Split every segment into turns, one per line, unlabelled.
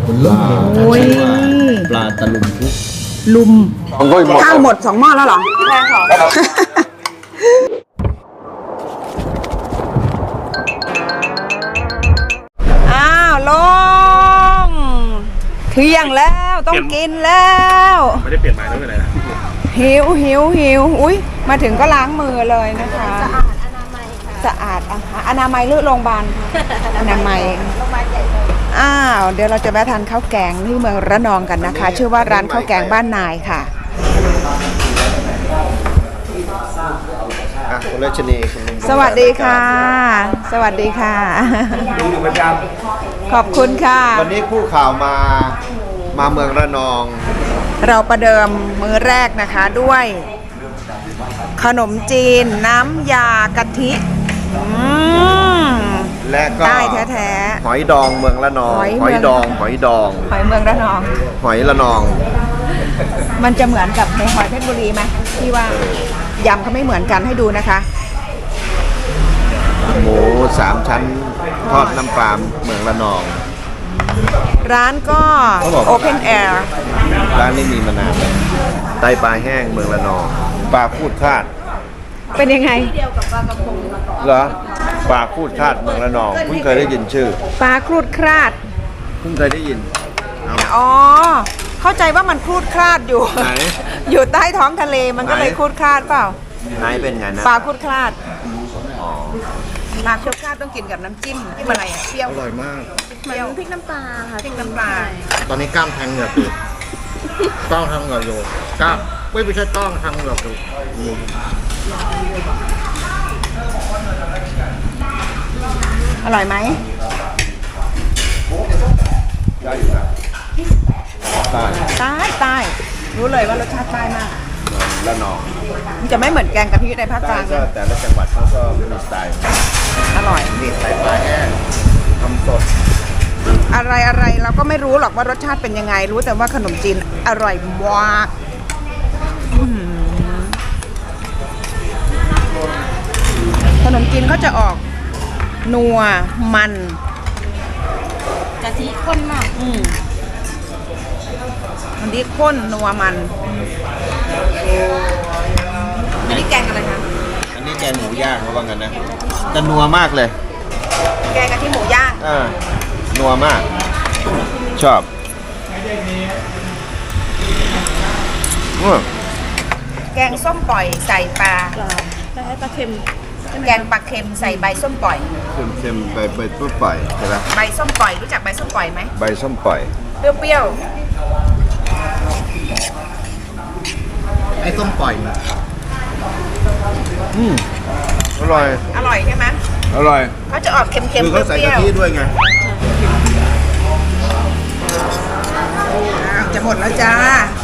โอ้ย
ปลาตะลุมพุก
ลุมข้าวหมด2 หม้อแล้วเหรอใช่ค่ะอ้าวลงเที่ยงแล้วต้องกินแล้วไม่ได้เปลี่ยนไม้แล้วเป็นไรนะหิวอุ้ยมาถึงก็ล้างมือเลยนะคะสะอาดอนามัยค่ะสะอาดอนามัยหรือโรงพยาบาลอนามัยโรงพยาบาลใหญ่เลยอ้าวเดี๋ยวเราจะแวะทานข้าวแกงที่เมืองระนองกันนะคะชื่อว่าร้านข้าวแกงบ้านนายค่ะ
คุณรัชนี
สวัสดีค่ะ สวัสดีค่ะ
ดูอยู่ประจ
ขอบคุณค่ะ
ำวันนี้ผู้ข่าวมาเมืองระนอง
เราประเดิมมื้อแรกนะคะด้วยขนมจีนน้ำยากะทิ
และก็
ได้แท้
หอยดองเมืองระนองหอยดอง
หอยเมืองระนอง
หอยระนอง
มันจะเหมือนกับหอยเพชรบุรีไหมที่ว่ายำเขาไม่เหมือนกันให้ดูนะคะ
หมู3 ชั้นทอดน้ำปลาเมืองระนอง
ร้านก็ Open Air
ร้านนี้มีมานานแล้วไตปลาแห้งเมืองระนองปลาพูดคาด
เป็นยังไง
เดียวกับปลากระพงเหรอปลาพูดคาดเมืองระนองเพิ่งเคยได้ยินชื่อ
ปลาครูดคราด
เพิ่งเคยได้ยิน
อ๋อเข้าใจว่ามันครูดคราดอยู่อยู่ใต้ท้องทะเลมันก็เลยครูดคราดเปล่า
ไหนเป็นไงนะ
ปลาครูดคราดปลาครูดคราดต้องกินกับน้ำจิ้มอะไรอ่ะเปรี้ยว
อร่อยมาก
เปรี้ยวพริกน้ำปลาค่ะพริกน้ำปลา
ตอนนี้กล้ามแทงเหงือกอยู่กล้ามทางเหงือกอยู่กล้ามไม่ใช่ต้องทางเหงือกอยู่
อร่อยไหม
ได้อยู่นะ
ใต้รู้เลยว่ารสชาติใต้มาก
ระนอง
มันจะไม่เหมือนแกงกะทิในภาคกลาง
ก็แต่ละจังหวัดเขาก็มีสไตล์
อร่อย
มีไตปลาแห้งทำสด
อะไรเราก็ไม่รู้หรอกว่ารสชาติเป็นยังไงรู้แต่ว่าขนมจีนอร่อยมากขนมจีนเขาจะออกนัวมัน
กะทิข้นมาก
อันนี้ข้นนัวมันอันนี้แกงอะไรคะ
อันนี้แกงหมูย่างเขาว่างั้นนะจะนัวมากเลย
แกงกะทิหมูย่าง
นัวมากชอบ
แกงส้มปล่อยใส่ปลา
ปลาเค็ม
แกงปลาเค็มใส่ใบส้มปล่อย
เค็มใบส้มปล่อยใช่ไหม
ใบส้มปล่อยรู้จักใบส้มปล่อยไหม
ใบส้มปล่อย
เปรี้ยว
ไอ้ส้มปล่อยอร่อย
ใช่ไหม
อร่อย
เขาจะออกเค็มๆ
คือเขาใส่กะทิด้วยไง
จะหมดแล้วจ้า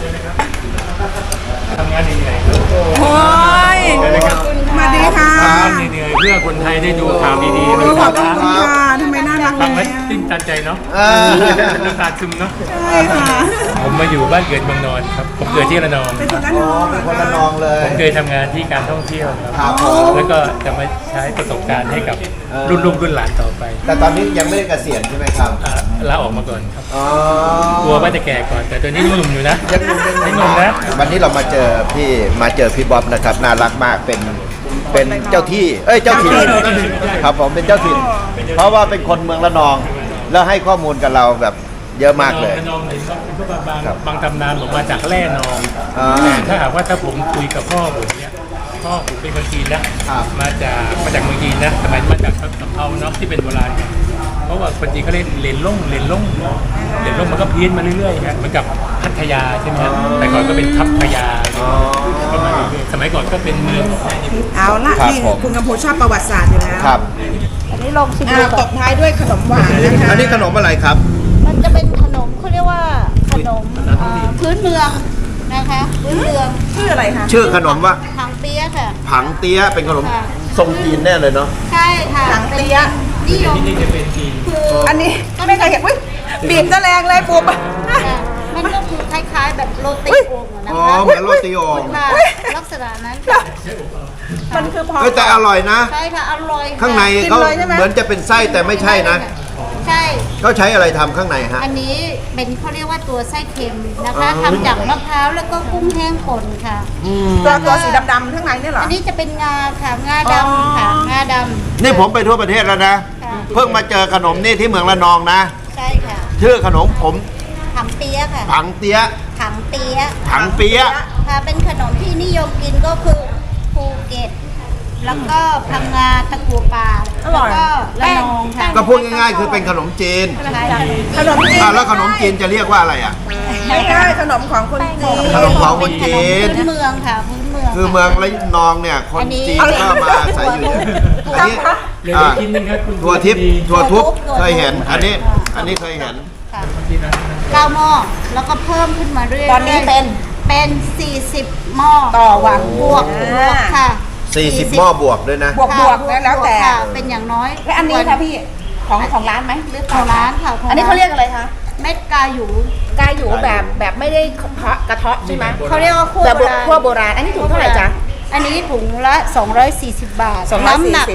ทำงานเหนื่อย
โอ้ยมาดีค่ะ
เหนื่อยเพื่อคนไทยได้ดูข่าวดีๆ
ขอบคุณค่ะทำไมน่ารัก
ฟังแล้วตื้นตันใจเนาะน้ำตาซึมเนาะ
ใช่ค่ะ
ผมมาอยู่บ้านเกิดเมืองนอนครับผมเกิดที่ระนอง
เป็นคน
ระนองเลย
ผมเคยทำงานที่การท่องเที่ยว
ครับ
แล้วก็จะมาใช้ประสบการณ์ให้กับรุ่นลูกรุ่นหลานต่อไป
แต่ตอนนี้ยังไม่ได้เกษียณใช่ไหมครับ
ลาออกมาก่อนครับกลัวว่าจะแก่ก่อนแต่ตัวนี้หนุ่มอยู่นะ
ยังหนุ่มนะวันนี้เรามาเจอพี่บ๊อบนะครับน่ารักมากเป็นเจ้าที่เจ้าถิ่นครับผมเป็นเจ้าถิ่นเพราะว่าเป็นคนเมืองระนองแล้วให้ข้อมูลกับเราแบบเยอะมากเลย
ระนองเห็นว่าเป็นพวกบางตำนานบอกมาจากแร่นองแต่ถ้าหากว่าถ้าผมคุยกับพ่อผมเนี่ยพ่อผมเป็นคนจีนนะมาจากเมืองจีนนะสมัยมาจากสำเภาเนาะที่เป็นโบราณเพราะว่าคนจีนเขาเรียกเลนล่งมันก็เพี้ยนมาเรื่อยๆเหมือนกับพัทยาใช่ไหมแต่ก่อนก็เป็นทัพพยาประมาณนี้สมัยก่อนก็เป็นเมือง
เอาละนี่คุณกำพูชอบประวัติศาสตร์อยู่แล้ว
ครับ
อันนี้ลองชิม
ตบท้ายด้วยขนมหวานนะคะ
อันนี้ขนมอะไรครับ
มันจะเป็นขนมเขาเรียกว่าขนมพื้นเมืองนะคะพื้นเมือง
ชื่ออะไรคะ
ชื่อขนมว่า
ผังเตี้ยค่ะ
ผังเตี้ยเป็นขนมทรงจีนแน่เลยเนาะ
ใช่ค่ะ
ผังเตี้ย
ที่นี่จะเป็นจีน
อันนี้ไม่เคยเห็นบีบซะแรงเลยปุ๊บ
มันก็คือคล้ายๆแบบโรตีโอ่ง
นะคะเหมือนโรตีโอ่ง
ลักษณะนั้น
มันคือพอ
แต่อร่อยนะ
ใช่ค่ะอร่อย
ข้างในเขาเหมือนจะเป็นไส้แต่ไม่ใช่นะ
ใช่
ก็ใช้อะไรทำข้างในฮะ
อันนี้เป็นเขาเรียกว่าตัวไส้เค็มนะคะทำจากมะพร้าวแล้วก็กุ้งแห้งป่นค่ะ
ตัวสีดำๆข้างในนี่เหรอ
อันนี้จะเป็นงาค่ะงาดำค่ะงาดำ
นี่ผมไปทั่วประเทศแล้วนะ
ค่ะ
เพิ่งมาเจอขนมนี่ที่เมืองระนองนะ
ใช่ค่ะ
ชื่อขนมผม
ถังเปี๊ยะค่ะ
ผังเตี้ย
ถังเปี๊ยะ
ผังเปี๊ยะ
ค่ะเป็นขนมที่นิยมกินก็คือภูเก็ต แล้วก็พังงาตะกัวป่าแล้วก็ระนองค่ะ
ก็พูดง่ายๆคือเป็นขนมจีน
ใช่ค่ะ
ขนมจีน
แล้วขนมจีนจะเรียกว่าอะไรอ่ะ
ไม่ใช่ขนมของคนจีน
ขนมของคนจีน
พื้นเมืองค่ะพื้นเมือง
คือเมืองระนองเนี่ยคนจีนก็มาอาศัยอยู่อันนี้
เหลืออีกชิ้นหนึงครับคุณ
ถั่วทิพย์ถั่วทุบ
ถั่วทุบ
เคยเห็น อันนี้เคยเห็น
ค่ะ9 หม้อแล้วก็เพิ่มขึ้นมาเรื่อยๆ
ตอนนี้เป็น
เป็น40 หม้อ
ต่อวัน
บวกค่ะ
40 หม้อบวกด้วยนะ
บวกนะแล้วแต่
ค่ะเป็นอย่างน้อย
และอันนี้ค่ะพี่ของร้านไหมหรือ
ของร้านค่ะขง
อันนี้เขาเรียกอะไรคะ
เม็ดกาหยู
กาอยู่แบบไม่ได้กระเทาะใช่ไหม
เขาเรียกว่าคั่ว
แบบ
โบราณ
คั่วโบราณอันนี้ถุงเท่าไหร่จ๊ะ
อันนี้ถุงละ 240 บาท
240
น้ำหนัก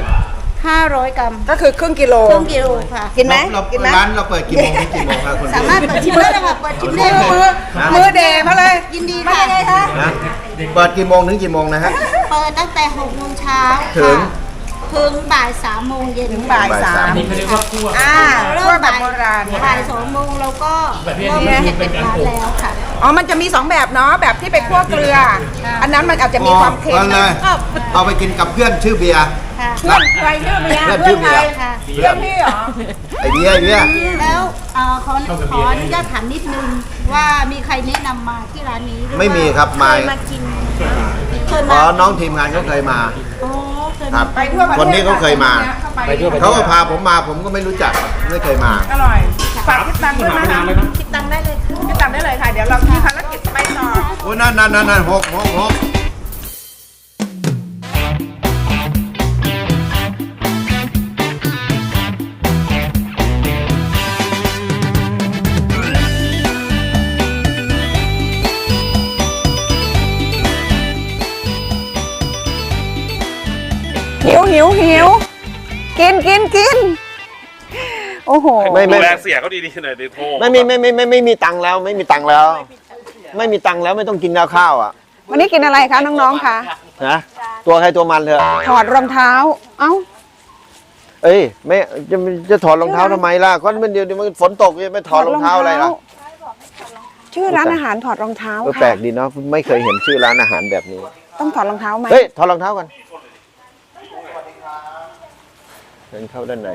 500 กรัม
ก็คือครึ่งกิโล
ครึ่งกิโลค่ะ
กินไหม
เรา
กินไหม
ร้านเราเปิดกี่โมงถึงกี่โมงครับคุณ
สามารถเปิดชิมได้เลยค่ะเปิดชิมได้เลย
มือเดย์มาเลย
ยินดี
มา
ค่ะ
ยังไงคะ
นะเปิดกี่โมงถึงกี่โมงนะฮะ
เปิดตั้งแต่6 โมงเช้า
ถึง
ถึงบ่าย 3 โมงเย็น
ถึงบ่าย
บ่าย
สา
สาม
ม
นี่เขาเรียกว่าคั่ว
คั่วแบบโบราณ
บ่าย 2 โมงเราก็เริ่มเห็ดเป็นร้านแล้วค่ะ
อ๋อมันจะมี2แบบเนาะแบบที่ไปคั่วเกลือ อันนั้นมันอาจจะมีความเค็ม
อาเลย เอาไปกินกับเพื่อนชื่อเบียร์
ค่ะ
เพื่อนใครชื่อเบียร์
เพื่อนชื่อเบียร์
ค่ะ
เพื่อนพี่เหรอ
ไอเบียร์
แล้วขออนุญาตถามนิดนึงว่ามีใครแนะนำมาที่ร้านนี้หอว่า
ไม่มีครับ
เคยมากินเคย
อ๋
มา
อน้องทีมงานเขาเคยมา
อ๋อเคย
ครั
มา
บ
ไปทั่วประเทศ
คนนี้เขาเคยมา
ไปทั่วประเทศ
เขาก็พาผมมาผมก็ไม่รู้จักไม่เคยมา
อร่อยฝากคิดตังค์ด้วยนะคะ
คิดตังค์ได้เลยค่ะ
คิดตังค์ได้เลยค่ะ เดี๋ยวเรามีภารกิจไปต่อ
โอ้นั่นหก
หิวกินโอ้โห
ไม่
ดูแลเสียเขาดีๆหน่อยดิโทร
ไม่มีตังค์แล้วไม่มีตังค์แล้ว ไม่มีตังค์แล้วไม่ต้องกินข้าวอ่ะ
วันนี้กินอะไรคะน้องๆคะ
นะตัวใครตัวมันเถอะ
ถอดรองเท้า เอ้า
เอ้ยไม่จะถอดรองเท้าทำไมล่ะก็มันเดี๋ยวมันฝนตกจะไม่ถอดรองเท้าอะไรล่ะ
ชื่อร้านอาหารถอดรองเท้า
แปล
ค่ะ
กดีเนาะไม่เคยเห็นชื่อร้านอาหารแบบนี้
ต้องถอดรองเท้าไหม
เฮ้ยถอดรองเท้าก่อนเดินเข้าด้านใน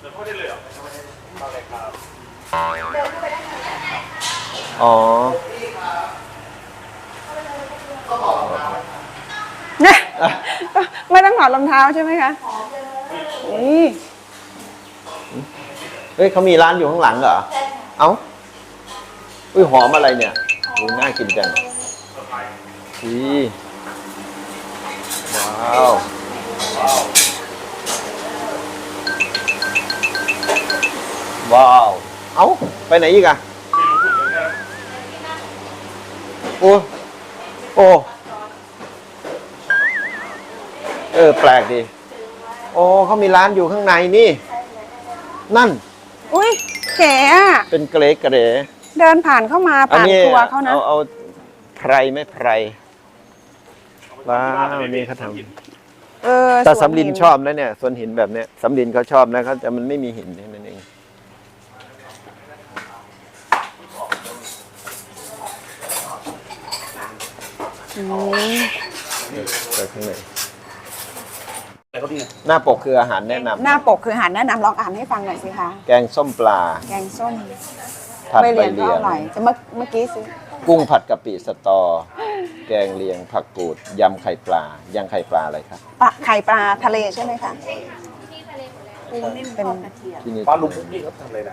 อ๋อ
ไม่ต้องถอดรองเท้าใช่ไหมคะนี่
เฮ้ยเขามีร้านอยู่ข้างหลังเหรอเอ้าอุ้ยหอมอะไรเนี่ยดูน่ากินจังดีว้าวว้าวเอ้าไปไหนอีกอะโอ้แปลกดีโอ้เขามีร้านอยู่ข้างในนี่นั่น
อุ้ยเก๋อะ
เป็นเกรเ
เดินผ่านเข้ามา
อัน
ผ่าน
นี้
ครัวเขานะ
เอาไพรไม่ไพรว้าวนี่เขาทำแต่สำลินชอบนะเนี่ยสวนหินแบบเนี้ยสำลินเขาชอบนะเขาแต่มันไม่มีหินแค่นั่นเองไปข้างในหน้าปกคืออาหารแนะนำ
หน้าปกคืออาหารแนะนำลองอ่านให้ฟังหน่อยสิคะ
แกงส้มปลา
แกงส้ม
ผัด
ใบ
ใบ
เหลียงก็
เลีย
อง ร่อยจะเมื่อกี้ซื้อ
กุ้งผัดกะปิสตอ แกงเลียงผักกูดยำไข่ปลายำไข่ปลาอะไรครับ
ไข่ปลาทะเลใช่ไหมคะเป็น
ที่นี่
ปลาหลุมพุกนี่เขาทำอะไรนะ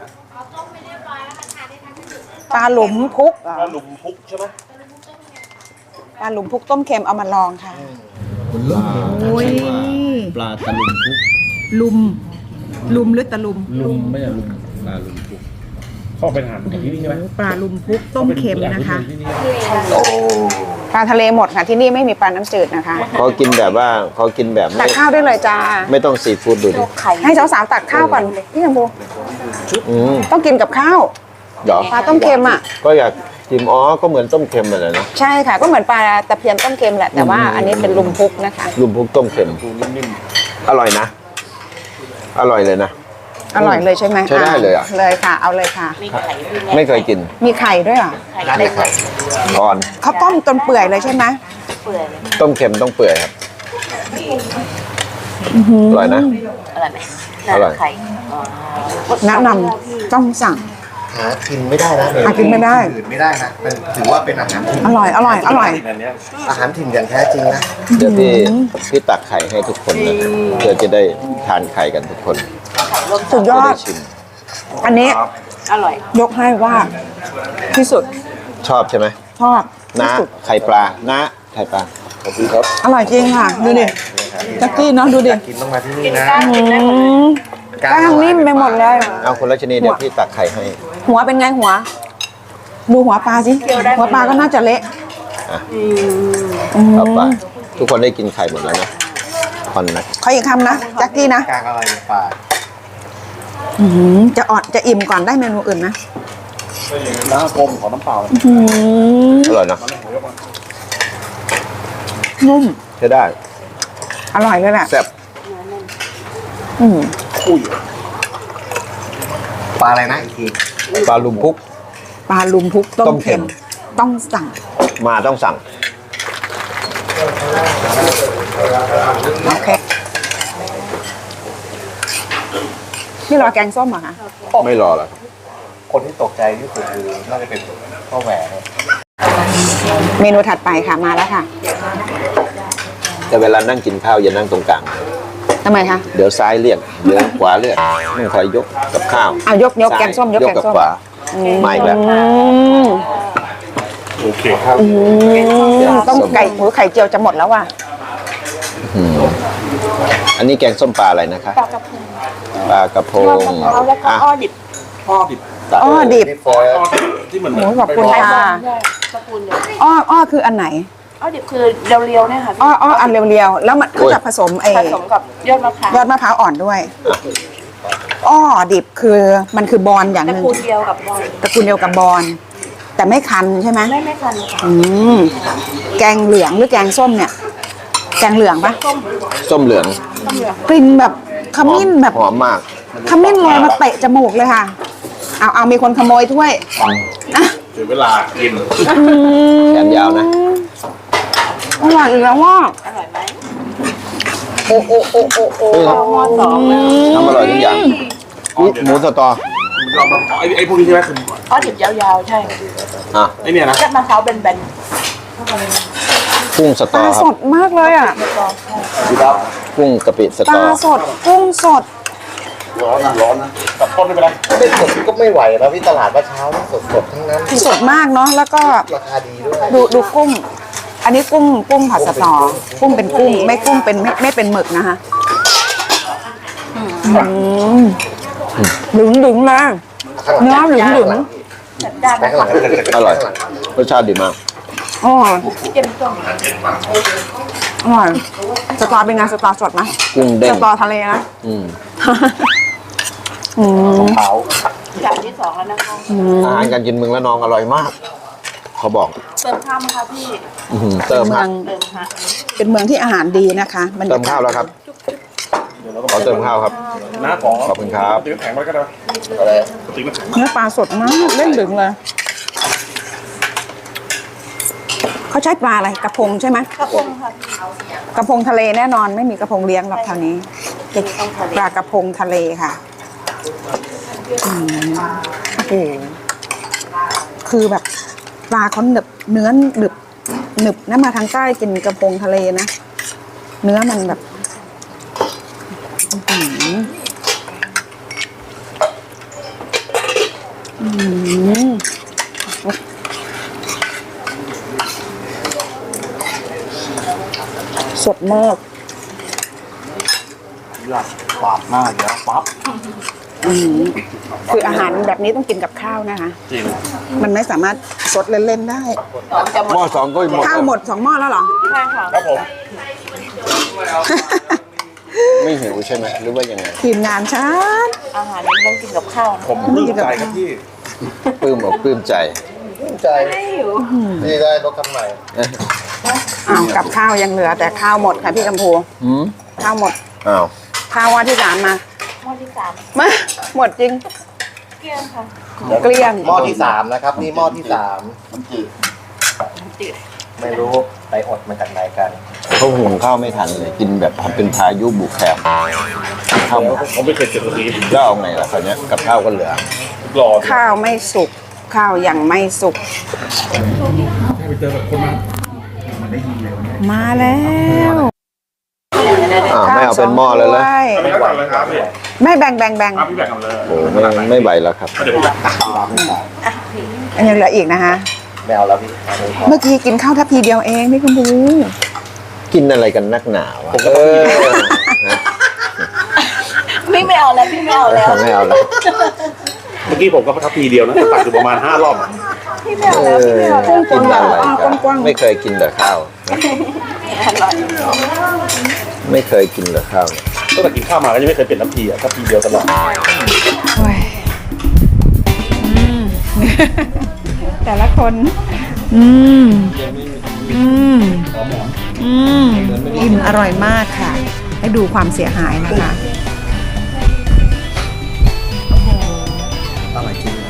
ปลาหลุมพุกเหรอ
ปลาหลุมพุกใช่ไหม
ปลาหลุมพุกต้มเค็มเอามาลองค่ะ
ปลาปลาตะลุมพุก
ลุมหรือตะลุม
ลุมไม่ใช่ลุมปลาลุมพุก
เข้าไปทานที่นี่ใช่ไหม
ปลาลุมพุกต้มเค็มนะคะ
ที่นี่
ปลาทะเลหมดค่ะที่นี่ไม่มีปลาน้ำจืดนะคะ
เขากินแบบว่าเขากินแบบ
ตักข้าวได้เลยจ้า
ไม่ต้องซีฟู้ดดูดิ
ให้สาวๆตักข้าวก่อนพี่ชมพู
อืม
ต้องกินกับข้าว
เดี๋ยว
ปลาต้มเค็มอ่ะ
ก็อยากชิมก็เหมือนต้มเค็มเหมือนกันนะ
ใช่ค่ะก็เหมือนปลาตะเพียนต้มเค็มแหละแต่ว่าอันนี้เป็นลุมพุกนะคะ
ลุมพุกต้มเค็มอร่อยนะ อร่อยเลยนะ
อร่อยเลยใช่ไหม
ใช้ได้เลยอะ
เลยค่ะ เอาเลยค่ะ
ไม่เคยกิน
มีไข่ด้วยเหรอ
ไม่ไข่อ่อน
เขาต้มจนเปื่อยเลยใช่ไหม
ต้มเค็มต้องเปื่อยครับอร่อยนะ
อร่อยไหม
อร่อย
ไข่
แนะนำต้องสั่ง
หากินไม่ได้นะ
หากินไม่ได้
อื่นไม่ได้นะเป็นถือว่าเป็นอาหารถิ่น
อร่อยอร่อยอร่อย
อาหารถิ่นอย่างแท้จริงนะ
เดี๋ยวพี่ตักไข่ให้ทุกคนนะครับเพื่อจะได้ทานไข่กันทุกคน
สุดย
จะ
อ
ได้
ด
ชิม
อันนี้
อร่อย
ยกให้ว่าที่สุด
ชอบใช่ไหม
ชอบที่
นะ
สุด
ไข่ปลานะไข่ปลาขอบคุณครับ
อร่อยจริงค่ะ ดูดิจักกี้เนาะดูดิ
กินต้องมาที่นี่นะ
อืมแป้งนิ่มไปหมดเลย
เอาคุณรัชนีเดี๋ยวพี่ตักไข่ให้
หัวเป็นไงหัว ดูหัวปลาสิหัวปลาก็น่าจะเละ
อ่ะเอาไปทุกคนได้กินไข่หมดแล้วนะคนนะ
ขออีกคำนะจักกี้นะ
กลางอะไรในป่า
จะอ่อนจะอิ่มก่อนได้เมนูอื่นนะ
น้ำกลมของน้ำเปล่า
อร่อยนะ
นุ่ม
ใช้ได้
อร่อยเลยแหละ
แซ่บ
อืม
ปลาอะไรนะอีกที
ปลาลุมพุก
ปลาลุมพุกต้
ต้
ม
มเค็
เค็
ม
มต้องสั่ง
มาต้องสั่ง
โอเคนี่รอแกงส้มเหรอคะ
ไม่รอแล้ว
คนที่ตกใจที่สุดคือน่าจะเป็นพ่อแหวน
เมนูถัดไปค่ะมาแล้วค่ะ
แต่เวลานั่งกินข้าวอย่านั่งตรงกลาง
ทำไมคะ
เดี๋ยวซ้ายเรียกเดี๋ยวขวาเรียกต้องคอยยกกับข้าว
เอายก
ซ้
แกงส้มยกแกง
กับ
ส้ม
ขวามาอีกแล้ว
ม
โอเคครับ
ต้องไก่ไข่เจียวจะหมดแล้วว่ะ
อืมอันนี้แกงส้มปลาอะไรนะคะ ปลากระพง
แล้วก็
อ่ะ
อ้อดิบ
พ่อดิบ
ตัด
อ้อดิบ
ที่เหมือน
โอ้ยขอบคุณค่ะ
ตระกูลเดียว
อ้อคืออันไหน
อ้อดิบคือเรียวๆเนี่ยค่ะ
อ้ออันเรียวๆแล้วมันเขาจะผสม
ผสมกับยอดมะพร้าวย
อดมะพร้าวอ่อนด้วยอ้อดิบคือมันคือบอลอย่าง
ตระ
หนึ่ง
กูลเดียวกับบอล
ตระกูลเดียวกับบอลแต่ไม่คันใช่ไหม
ไม่คันค่ะ
อืมแกงเหลืองหรือแกงส้มเนี่ย แกงเหลืองปะ
ส้มเหลือง
กลิ่นแบบขมิ้นแบบ
หอมมาก
ขมิ้นลอยมาเตะจมูกเลยค่ะ เอามีคนขโมยถ้วยนะ
เสียเวลากิน
แขนยาวนะ
อร่อยอีกแล้วว่า
อร่อยไหม
โอ้โอ้โอ้โอ้โอ้
เฮ้ย
หม้อสองเลย
ทำอร่อยทุกอย่างอุ๊ยหมูสตอ
เรามาไอ้พวกนี้ใช่ไหมคือ
อ้อดิบยาวๆใช่
อ่ะ
ไอ้เนี่ยนะ
ยอดมะพร้าวแบน
กุ้งส
ป
ตอ
ลา
ค
ส
รับ
ดมากเลยอ่ะ
กุ้งกะปิส
ป
ตอ
ลาสดกุ้งสด
ร้อนนะตัดต้นไม่เป็นไร
ไม่สดก็ไม่ไหวแล้วพี่ตลาดเมื่อเช้านี่สดๆทั้งนั้น
สดมากเนาะแล้วก็
ราคาดีด้วย
ดูกุ้ง อันนี้กุ้งผัดสตอกุ้งเป็นกุ้งไม่กุ้งเป็นไม่เป็นหมึกนะคะหลึงหลึงๆเลยเนื้อหลึงหลึง
ๆจัดจ้าน
แบงค์หลัง
อร่อยรสชาติดีมาก
อ๋อ
เจ็มส้ม
อร่อยสตอเป็นไงสตอสดไหม
กุ้งเด้
ส
ง
ตอทะเลนะ
อืม
เผา
จานที่สองแล้วนะคะ
อาหารการกินเมืองละนองอร่อยมาก เขาบอก
เติมข้าวไหมคะพี่
อื้อหือเติม
เมื
ค
อ
รับ
ง
เติมค่ะ
เป็นเมืองที่อาหารดีนะคะบรร
เติ
ยาม กา
ข้าว
ศ
แล้วครับขอเติมข้าวครับ
น้าของ
ขอบคุณครับ
ตีน้ำแข็งไว้ก็ได้
อะไร
ตีน้ำแข็ง
เนื้อปลาสดมากเล่นหลึงเลยเขาใช้ปลาอะไรกระพงใช่ไหม
กระพงค่ะ
กระพงทะเลแน่นอนไม่มีกระพงเลี้ยงหรอกแถวนี้ปลากระพงทะเลค่ะโอ้โหคือแบบปลาเขาหนึบเนื้อหนึบนะมาทางใต้กินกระพงทะเลนะเนื้อมันแบบสดมาก
อยากปาดหน้าเดี๋ยวปั๊บ
คืออาหารแบบนี้ต้องกินกับข้าวนะคะ
จริง
มันไม่สามารถสดเล่นๆได้
หม้อสองก็หมด
ข้าวหมด2 หม้อแล้วเหรอ
ใช่ค่ะ
ครับผม
ไม่หิวใช่ไหมหรือว่ายังไง
ทีมงานฉัน
อาหารนี้ต้องกินกับข้าว
ผมปลื้มใจครับพี่
ปลื้มอกปลื้มใจ
นี่ได้รถคันใหม่
อ้าวกับข้าวยังเหลือแต่ข้าวหมดค่ะพี่กัมพู
หืม
ข้าวหมด
อ้าว
ข้าวว่าที่สามมา
หม้อที่สาม
มาหมดจริง
เกลี้ยงค่ะ
เกลี้ยง
หม้อที่ 3 นะครับ นี่หม้อที่
จืด
3 ไม่รู้ไปอดมาจากไหนกัน
เขาหุงข้าวไม่ทันเลยกินแบบเป็นพายุบุกแคบข้าวหมด
ผมไม่เคยเจอแบบนี้
แล้วเอาไงล่ะคราวเนี้ยกับข้าวก็เหลือ
รอ
ข้าวไม่สุก ข้าวยังไม่สุก มาแล้ว
อ้าวไม่เอาเป็นหม้อเลยเหรอ
ข้าวสองถ้วย
ไม่ไหวแล้วครับพี่
ไม่แบ่ง
ครับพี่แบ่งกันเลย
โอ้ไม่ไหวแล้วครับ
เดี๋ยวผม
อันยังเหลืออีกนะคะ
ไม่เอาแล้วพี่
เมื่อกี้กินข้าวทัพพีเดียวเองพี่กัมพู
กินอะไรกันนักหนาวะนะ
พี่ไม่เอาแล้วพี่ไม่เอาแล้ว
ไม่เอาแล้ว
เมื่อกี้ผมก็ทัพพีเดียวนะตักอยู่ประมาณ5 รอบ
พี่ไม่เอาแล้วพี่ไม่เอาแล้ว
กินอะไรกันไม่เคยกินแต่ข้าว
อร่อย
ไม่เคยกินแต่ข้าว
ตั้งแต่กินข้าวมาก็ยังไม่เคยเป็นทัพพีอ่ะทัพพีเดียวตลอด
โอ้ยแต่ละคน อิ่มอร่อยมากค่ะ ให้ดูความเสียหายนะคะ
อร่อยจริง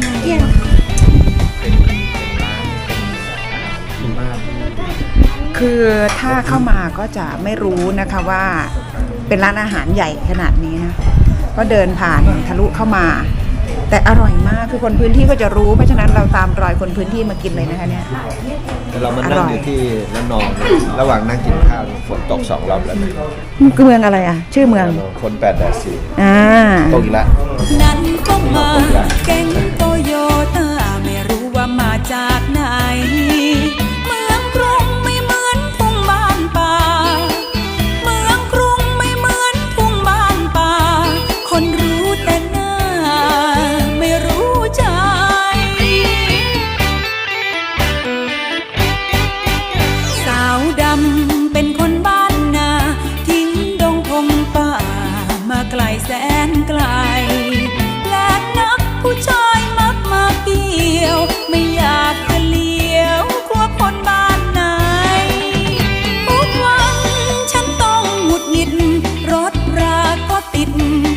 คือถ้าเข้ามาก็จะไม่รู้นะคะว่าเป็นร้านอาหารใหญ่ขนาดนี้นะก็เดินผ่านทะลุเข้ามา แต่อร่อยมากคือคนพื้นที่ก็จะรู้เพราะฉะนั้นเราตามรอยคนพื้นที่มากินเลยนะคะเนี่ย
เรามานั่งอยู่ที่ระนอง ระหว่างนั่งกินข้าวฝนตก2 รอบแล้วนะ
มันคือเมืองอะไรอ่ะ ชื่อเมือง
คน8 8
อ่า
4ตกอีกแล้ว
นั้นก็มาแก๊งโตโยต้าไม่รู้ว่ามาจากไหน เมืองกรุงไม่เหมือนทุ่งบ้านป่า เมืองกรุงไม่เหมือนทุ่งบ้านป่า คนรู้แต่หน้าไม่รู้ใจ สาวดำ